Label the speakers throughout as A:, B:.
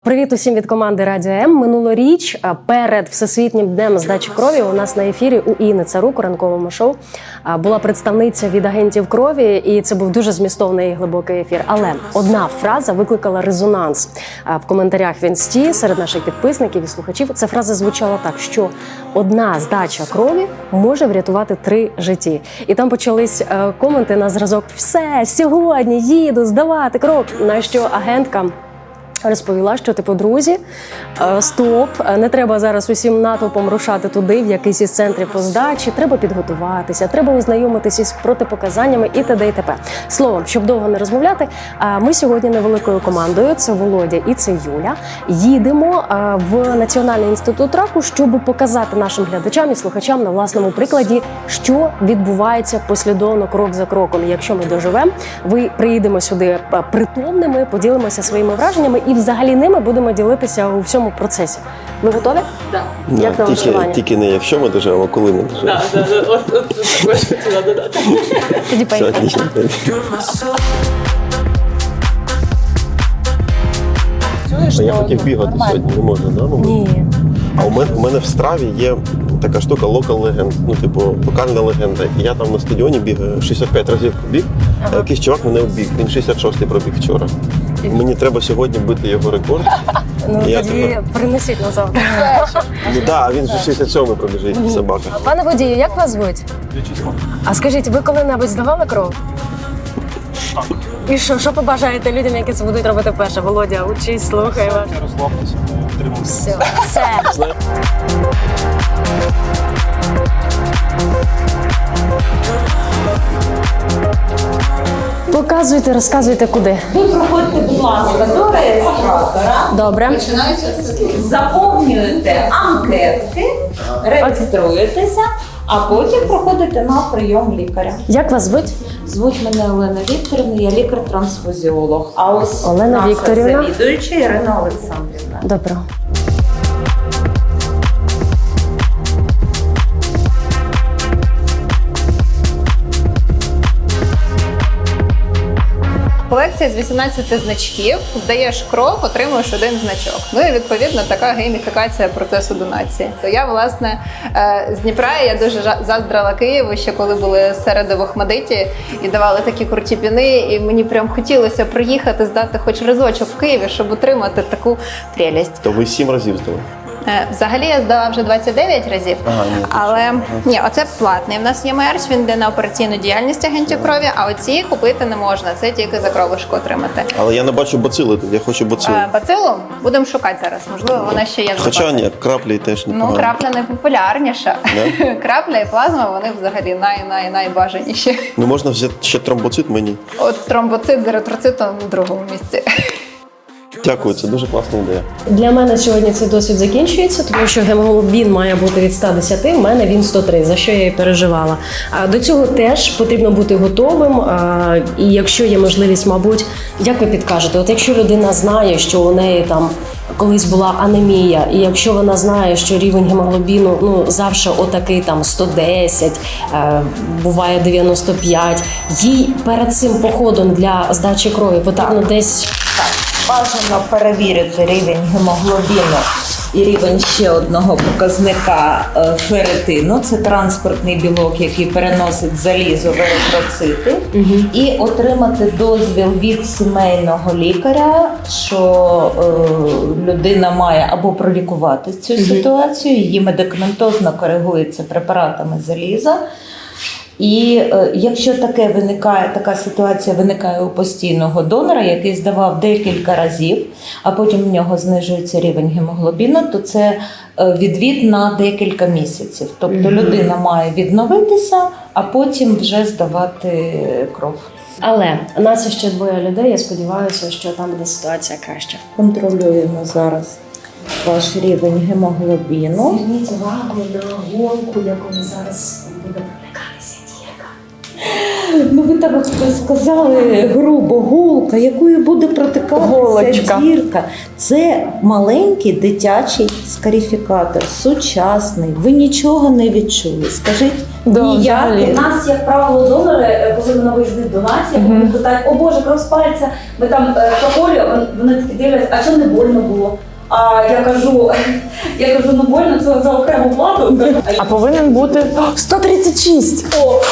A: Привіт усім від команди Радіо М. Минулоріч перед Всесвітнім днем здачі крові у нас на ефірі у Інни Царук у ранковому шоу була представниця від агентів крові, і це був дуже змістовний і глибокий ефір. Але одна фраза викликала резонанс в коментарях в Інсті серед наших підписників і слухачів. Ця фраза звучала так, що одна здача крові може врятувати 3 житті. І там почались коменти на зразок «Все, сьогодні їду здавати кров», на що агентка розповіла, що, друзі, стоп, не треба зараз усім натовпом рушати туди, в якийсь із центрів по здачі, треба підготуватися, треба ознайомитися з протипоказаннями і т.д. і т.п. Словом, щоб довго не розмовляти, ми сьогодні невеликою командою, це Володя і це Юля, їдемо в Національний інститут раку, щоб показати нашим глядачам і слухачам на власному прикладі, що відбувається послідовно, крок за кроком. Якщо ми доживемо, ви приїдемо сюди притомними, поділимося своїми враженнями і взагалі ними будемо ділитися у всьому процесі. Ви готові?
B: Так.
A: Як на влаштування?
C: Тільки не якщо ми доживемо, а коли ми доживемо.
B: Так, от також хотіла додати.
A: Тоді поїхали.
C: Я хотів бігати сьогодні, не можна, да?
A: Ні.
C: А у мене в страві є така штука local legend, локальна легенда. І я там на стадіоні бігаю 65 разів пробіг, а якийсь чувак мене обіг. Він 66-й пробіг вчора. І мені треба сьогодні бити його рекорд.
A: Тоді принесіть на завтра.
C: Так, він вже 67-й пробіжить, собака.
A: Пане водію, як вас звуть? А скажіть, ви коли-небудь здавали кров?
D: Так.
A: І що побажаєте людям, які це будуть робити вперше? Володя, учись, слухай вас.
D: Розслабтеся, тримайся.
A: Все. Показуйте, розказуйте, куди.
B: Ви проходите, будь ласка, до реєстратора.
A: Добре.
B: Заповнюєте анкетки, реєструєтеся, а потім проходите на прийом лікаря.
A: Як вас звуть?
B: Звуть мене Олена Вікторівна, я лікар-трансфузіолог. А ось
A: Олена
B: наша
A: Вікторівна.
B: завідуюча Ірина Олександрівна.
A: Добре.
E: Колекція з 18 значків, здаєш кров, отримуєш 1 значок. Ну і відповідно така гейміфікація процесу донації. То я, власне, з Дніпра, я дуже заздрила Києву, ще коли були середи в Охмадиті і давали такі круті піни, і мені прям хотілося приїхати, здати хоч разочок в Києві, щоб отримати таку прелість.
C: То ви 7 разів здали?
E: Взагалі я здала вже 29 разів, але ні, оце платний. У нас є мерч, він йде на операційну діяльність агентів крові, а оці купити не можна, це тільки за кровушку отримати.
C: Але я не бачу бацили тут, я хочу бацилу.
E: Бацилу будемо шукати зараз, можливо, вона ще є в
C: Хоча
E: запасі.
C: ні, краплі теж непогано.
E: Ну, крапля найпопулярніша. Крапля і плазма, вони взагалі найбажаніші.
C: Ну можна взяти ще тромбоцит мені.
E: От тромбоцит з еритроцитом на другому місці.
C: Дякую, це дуже класна ідея.
A: Для мене сьогодні цей досвід закінчується, тому що гемоглобін має бути від 110, в мене він 103, за що я і переживала. До цього теж потрібно бути готовим, і якщо є можливість, мабуть, як ви підкажете, от якщо людина знає, що у неї там колись була анемія, і якщо вона знає, що рівень гемоглобіну завжди отакий там 110, буває 95, їй перед цим походом для здачі крові потрібно десь...
B: Бажано перевірити рівень гемоглобіну і рівень ще одного показника ферритину. Це транспортний білок, який переносить залізо в еритроцити. І отримати дозвіл від сімейного лікаря, що людина має або пролікувати цю ситуацію, її медикаментозно коригується препаратами заліза. І якщо така ситуація виникає у постійного донора, який здавав декілька разів, а потім в нього знижується рівень гемоглобіну, то це відвід на декілька місяців. Тобто людина має відновитися, а потім вже здавати кров.
A: Але нас ще 2 людей, я сподіваюся, що там буде ситуація краща.
B: Контролюємо зараз ваш рівень гемоглобіну.
A: Зверніть увагу на голку, яку ми зараз будемо проникатися.
B: Ну, Ну ви так сказали грубо, голка, якою буде протикатися
F: Голочка.
B: дірка. Це маленький дитячий скарифікатор, сучасний. Ви нічого не відчули. Скажіть,
F: Да,
B: ніяк.
F: взагалі.
G: У нас, як правило, донори, коли на виїздить донація, вони питають, о Боже, кров з пальця, ми там проходимо, вони такі дивляться, а що не больно було? А я кажу, ну больно, це за окрему плату.
F: А повинен бути 136.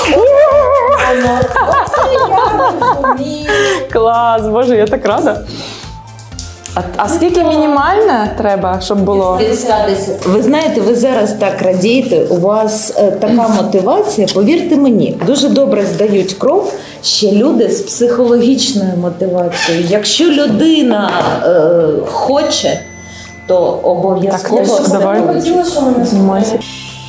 F: Клас, боже, я так рада. А скільки мінімальне треба, щоб було?
B: Ви знаєте, ви зараз так радієте, у вас така мотивація, повірте мені, дуже добре здають кров ще люди з психологічною мотивацією. Якщо людина хоче, то обов'язково.
F: Так, давай. Знімайся.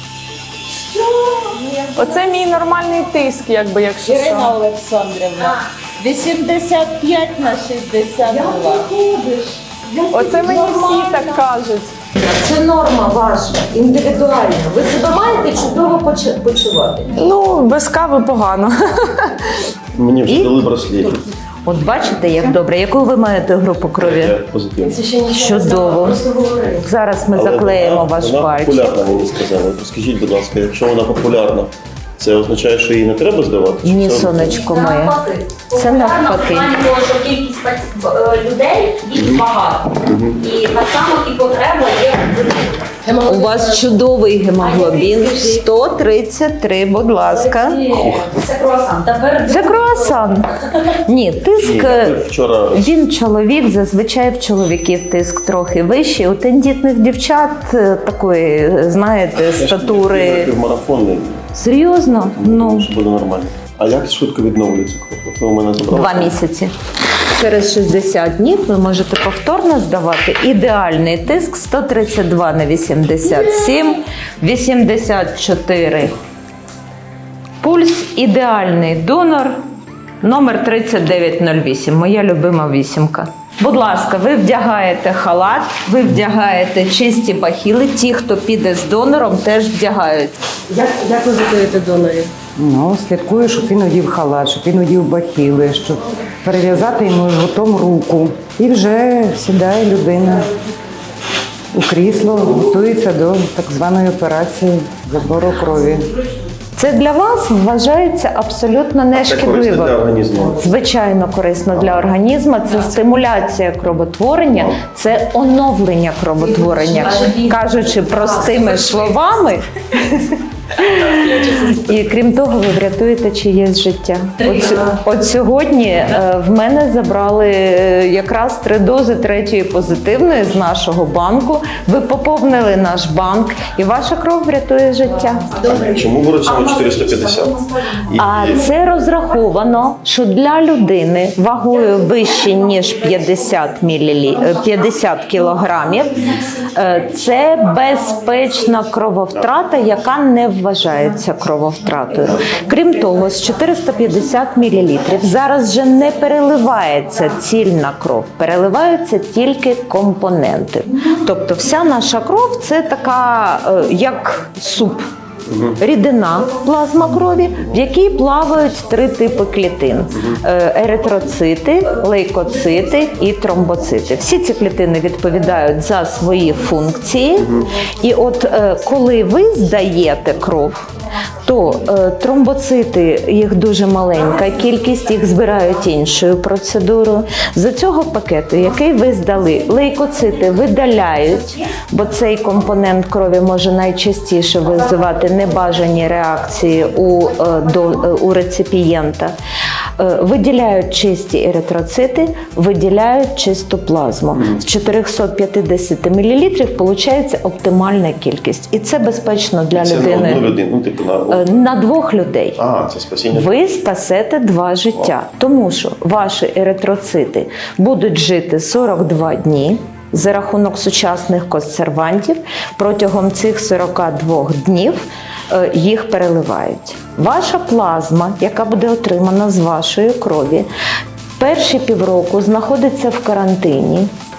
F: Оце мій нормальний тиск, якби, якщо що.
B: Ірина Олександрівна, 85 на 62.
F: Оце мені всі так кажуть.
B: Це норма ваша, індивідуальна. Ви себе маєте чудово почувати.
F: Ну, без кави погано.
C: Мені вже дали браслети.
B: От бачите, як добре. Яку ви маєте групу крові?
C: Я позитивний.
B: Чудово. Зараз ми заклеїмо ваш
C: вона
B: пальчик.
C: популярна, мені сказали. Скажіть, будь ласка, якщо вона популярна, це означає, що її не треба здавати? Чи
B: Ні,
C: це
B: сонечко моє.
G: Навпаки.
B: Це навпаки.
G: В плані того, що кількість людей їх багато. І так само і потреба є велика.
B: У вас чудовий гемоглобін 133, будь ласка.
G: Це круасан. Тепер
B: Це круасан. Ні, тиск.
C: Ні, я вчора
B: Він чоловік, зазвичай в чоловіків тиск трохи вищий. У тендітних дівчат такої, знаєте, статури.
C: півмарафонний,
B: Серйозно? Ну,
C: що буде нормально. А як швидко відновлюється кров? От ви у мене забрали?
B: 2 місяці. Через 60 днів ви можете повторно здавати. Ідеальний тиск 132 на 87, 84. Пульс ідеальний донор номер 3908. Моя любима вісімка. Будь ласка, ви вдягаєте халат, ви вдягаєте чисті бахіли. Ті, хто піде з донором, теж вдягають.
A: Як ви готуєте донорів?
H: Ну, слідкую, щоб він одів халат, щоб він одів бахіли, щоб перев'язати йому жгутом руку. І вже сідає людина у крісло, готується до так званої операції забору крові.
B: Це для вас вважається абсолютно
C: Це корисно для
B: нешкідливо.
C: організму.
B: Звичайно, корисно для організму. Це стимуляція кровотворення, це оновлення кровотворення. Кажучи простими словами. І крім того, ви врятуєте чиєсь життя. От сьогодні в мене забрали якраз 3 дози 3-ї позитивної з нашого банку. Ви поповнили наш банк, і ваша кров врятує життя.
C: Чому беруть саме 450?
B: А це розраховано, що для людини вагою вище, ніж 50 кілограмів, це безпечна крововтрата, яка не вважається крововтратою. Крім того, з 450 мл зараз вже не переливається цільна кров, переливаються тільки компоненти. Тобто вся наша кров – це така, як суп. Рідина плазма крові, в якій плавають 3 типи клітин: еритроцити, лейкоцити і тромбоцити. Всі ці клітини відповідають за свої функції. І от коли ви здаєте кров, то тромбоцити, їх дуже маленька кількість, їх збирають іншою процедурою. За цього пакету, який ви здали, лейкоцити видаляють, бо цей компонент крові може найчастіше визивати небажані реакції у реципієнта. Виділяють чисті еритроцити, виділяють чисту плазму. З 450 мл виходить оптимальна кількість. І це безпечно для
C: Це
B: людини.
C: на одну людину, ну, типу на...
B: На 2 людей.
C: А, це спасіння.
B: Ви спасете 2 життя, тому що ваші еритроцити будуть жити 42 дні за рахунок сучасних консервантів. Протягом цих 42 днів їх переливають. Ваша плазма, яка буде отримана з вашої крові, перші півроку знаходиться в карантині.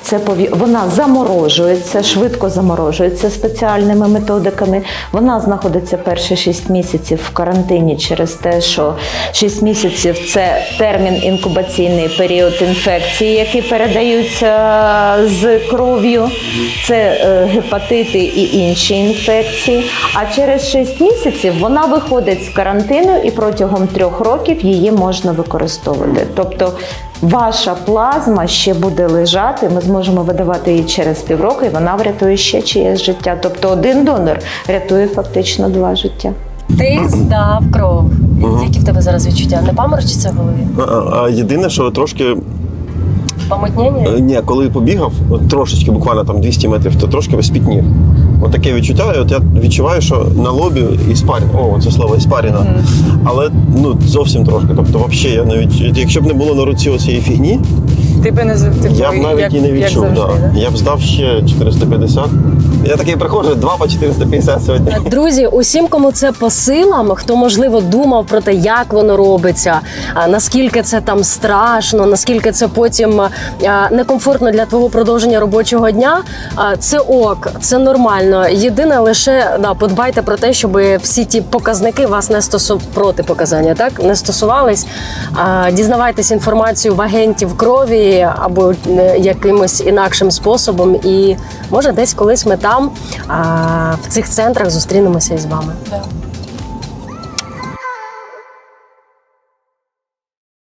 I: Вона заморожується, швидко заморожується спеціальними методиками. Вона знаходиться перші 6 місяців в карантині через те, що 6 місяців – це термін інкубаційний період інфекції, які передаються з кров'ю. Це гепатити і інші інфекції. А через 6 місяців вона виходить з карантину і протягом 3 років її можна використовувати. Тобто ваша плазма ще буде лежати, ми зможемо видавати її через півроку, і вона врятує ще чиєсь життя. Тобто один донор рятує фактично 2 життя.
A: Ти здав кров. Які в тебе зараз відчуття? Не паморочиться в голові?
C: Єдине, що трошки
A: Помутнення?
C: ні, коли побігав, от трошечки, буквально там 200 метрів, то трошки спітнів. От таке відчуття, і от я відчуваю, що на лобі це слово іспаріна, але зовсім трошки. Тобто, взагалі, я навіть, якщо б не було на руці оцієї фігні,
F: Ти б не
C: я б навіть і не відчув. Я б здав ще 450. Я такий приходжу, 2 по 450 сьогодні.
A: Друзі, усім, кому це по силам, хто, можливо, думав про те, як воно робиться, наскільки це там страшно, наскільки це потім некомфортно для твого продовження робочого дня, це ок, це нормально. Єдине лише подбайте про те, щоб всі ті показники вас не протипоказання, так, не стосувались. Дізнавайтесь інформацію в агентів крові або якимось інакшим способом, і може десь колись ми там в цих центрах зустрінемося із вами.